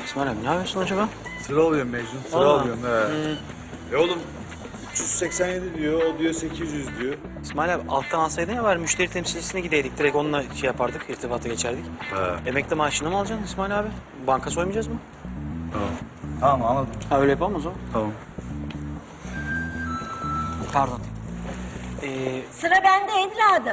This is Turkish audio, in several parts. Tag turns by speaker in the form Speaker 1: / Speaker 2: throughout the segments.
Speaker 1: İsmail abi ne yapıyorsun acaba?
Speaker 2: Sıra alıyorum Mecnun, sıra alıyorum. Oğlum 387 diyor, o diyor 800 diyor.
Speaker 1: İsmail abi alttan alsaydın ya var müşteri temsilcisine gideydik. Direkt onunla şey yapardık, irtibata geçerdik. Emekli maaşını mı alacaksın İsmail abi? Banka soymayacağız mı?
Speaker 2: Tamam. Tamam anladım.
Speaker 1: Ha öyle yapalım o zaman.
Speaker 2: Tamam.
Speaker 1: Pardon.
Speaker 3: Sıra bende evladım.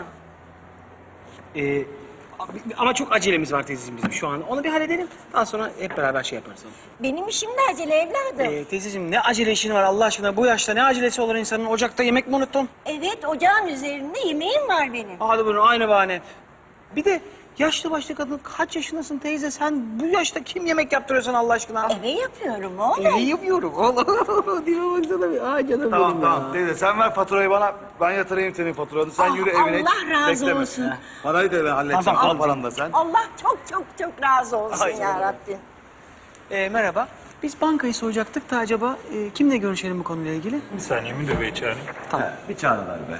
Speaker 1: Ama çok acelemiz var teyzeciğim bizim şu an. Onu bir halledelim. Daha sonra hep beraber şey yaparız.
Speaker 3: Benim işim de acele evladım.
Speaker 1: Teyzeciğim ne acele işin var Allah aşkına? Bu yaşta ne acelesi olur insanın? Ocakta yemek mi unuttun?
Speaker 3: Evet, ocağın üzerinde yemeğim var benim.
Speaker 1: Hadi buyurun aynı bahane. Bir de yaşlı başlı kadın kaç yaşındasın teyze? Sen bu yaşta kim yemek yaptırıyor sana Allah aşkına?
Speaker 3: Eve yapıyorum oğlum.
Speaker 1: İyi yapıyorum. Allah. Dime baksana bir. Aa canım
Speaker 2: Tamam
Speaker 1: benim
Speaker 2: tamam
Speaker 1: ya.
Speaker 2: teyze sen ver faturayı bana, ben yatırayım senin faturanı. Sen yürü evine.
Speaker 3: Allah razı
Speaker 2: bekleme.
Speaker 3: olsun.
Speaker 2: Parayı da ben halledeceğim,
Speaker 1: Tamam,
Speaker 2: al paranı da sen.
Speaker 3: Allah çok çok çok razı olsun
Speaker 1: Ay,
Speaker 3: ya Rabbim.
Speaker 1: Merhaba. Biz bankayı soyacaktık da acaba kimle görüşelim bu konuyla ilgili?
Speaker 4: Bir saniye müdür bey çağırın.
Speaker 1: Tamam.
Speaker 2: Bir çağrı ver be.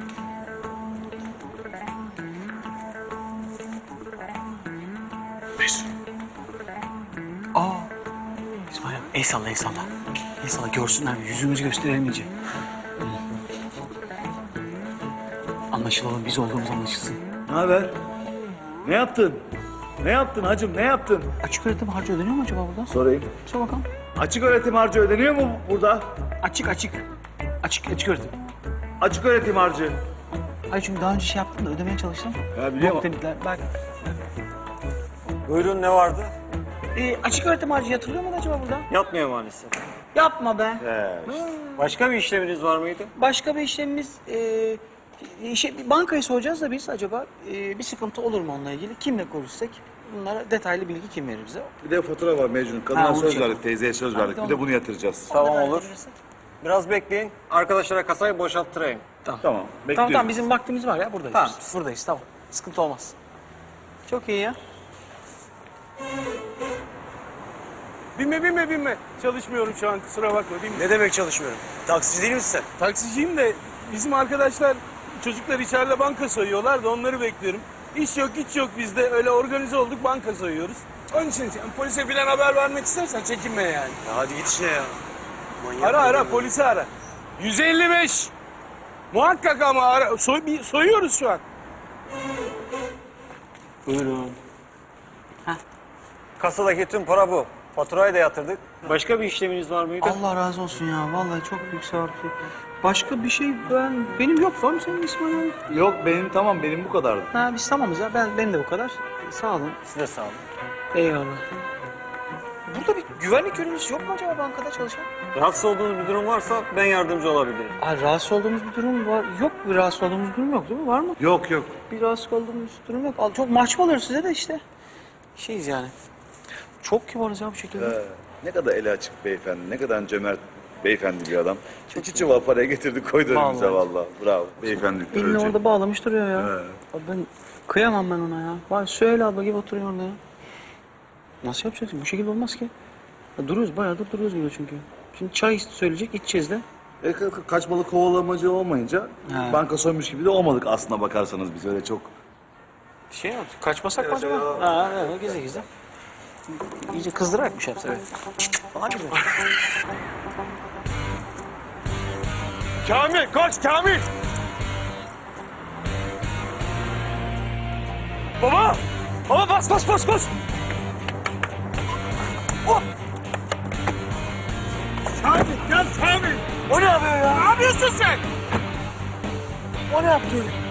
Speaker 1: Aa. İsmail abi el salla el salla. El salla görsünler yüzümüzü gösterelim iyice. Anlaşılalım biz olduğumuz anlaşılsın.
Speaker 2: Ne haber? Ne yaptın? Ne yaptın hacım, ne yaptın?
Speaker 1: Açık öğretim harcı ödeniyor mu acaba burada?
Speaker 2: Sorayım.
Speaker 1: Sor bakalım.
Speaker 2: Açık öğretim harcı ödeniyor mu burada?
Speaker 1: Açık öğretim.
Speaker 2: Açık öğretim harcı.
Speaker 1: Hayır çünkü daha önce şey yaptım da ödemeye çalıştım.
Speaker 2: Ya biliyorum.
Speaker 1: Yok dediler. Bak.
Speaker 5: Buyurun ne vardı?
Speaker 1: Açık öğretim harcı yatırılıyor mu acaba burada?
Speaker 5: Yatmıyor maalesef.
Speaker 1: Yapma be.
Speaker 5: Başka bir işleminiz var mıydı?
Speaker 1: Başka bir işlemimiz... bankayı soracağız da biz acaba bir sıkıntı olur mu onunla ilgili? Kimle görüşsek? Bunlara detaylı bilgi kim verir bize?
Speaker 2: Bir de fatura var Mecnun. Kadına
Speaker 1: Ha, onu
Speaker 2: söz
Speaker 1: şey
Speaker 2: verdik, teyzeye söz verdik. Bir de bunu yatıracağız.
Speaker 5: Tamam olur. Biraz bekleyin. Arkadaşlara kasayı boşalttırayım.
Speaker 2: Tamam,
Speaker 1: Tamam
Speaker 2: bekliyoruz.
Speaker 1: bizim vaktimiz var ya buradayız.
Speaker 5: Tamam.
Speaker 1: Biz. Buradayız tamam. Sıkıntı olmaz. Çok iyi ya.
Speaker 6: Binme. Çalışmıyorum şu an, kusura bakma. Binme.
Speaker 5: Ne demek çalışmıyorum? Taksici değil misin sen?
Speaker 6: Taksiciyim de bizim arkadaşlar, çocuklar içeride banka soyuyorlar da onları bekliyorum. İş yok, güç yok bizde. Öyle organize olduk, banka soyuyoruz. Onun için yani polise falan haber vermek istersen çekinme yani.
Speaker 5: Ya hadi git işine ya.
Speaker 6: Ara, polisi ara. 155. Muhakkak ama ara. Soyuyoruz şu an.
Speaker 1: Buyurun.
Speaker 5: Kasadaki tüm para bu. Faturayı da yatırdık. Başka bir işleminiz var mıydı?
Speaker 1: Allah razı olsun ya. Vallahi çok büyük sevap. Başka bir şey benim yok. Var mı senin İsmail abi?
Speaker 2: Yok benim tamam, benim bu kadardı.
Speaker 1: Ha biz tamamız ya. Benim de bu kadar. Sağ olun.
Speaker 5: Siz de sağ olun.
Speaker 1: Eyvallah. Burada bir güvenlik görevlisi yok mu acaba bankada çalışan?
Speaker 5: Rahatsız olduğunuz bir durum varsa ben yardımcı olabilirim.
Speaker 1: Ay rahatsız olduğumuz bir durum var. Yok bir rahatsız olduğumuz bir durum yok değil mi? Var mı?
Speaker 2: Yok.
Speaker 1: Bir rahatsız olduğumuz durum yok. Çok mahcup oluyoruz size de işte. Şeyiz yani. Çok kibarız ya bu şekilde.
Speaker 2: Ne kadar eli açık beyefendi, ne kadar cömert beyefendi bir adam. İki çuval paraya getirdi koydu önümüze vallahi. Bravo. Beyefendi.
Speaker 1: Elini orada bağlamış duruyor ya. Abi ben kıyamam ben ona ya. Bak söyle abla gibi oturuyor orada ya. Nasıl yapacaksın? Bu şekilde olmaz ki. Ya duruyoruz bayağıdır duruyoruz burada çünkü. Şimdi çay söyleyecek içeceğiz de.
Speaker 2: Kaçmalı kovalamacı olmayınca
Speaker 1: Ha.
Speaker 2: banka soymuş gibi de olmadık aslına bakarsanız biz öyle çok.
Speaker 1: Şey mi? Kaçmasak mı acaba? Ha evet gizli gizli. İyice kızdırarak bir şey yapsa evet. Falan gibi.
Speaker 6: Kamil, koş Kamil. Baba bas. Oh. Kamil, gel Kamil.
Speaker 1: O ne yapıyor ya?
Speaker 6: Ne yapıyorsun sen?
Speaker 1: O ne yaptı öyle?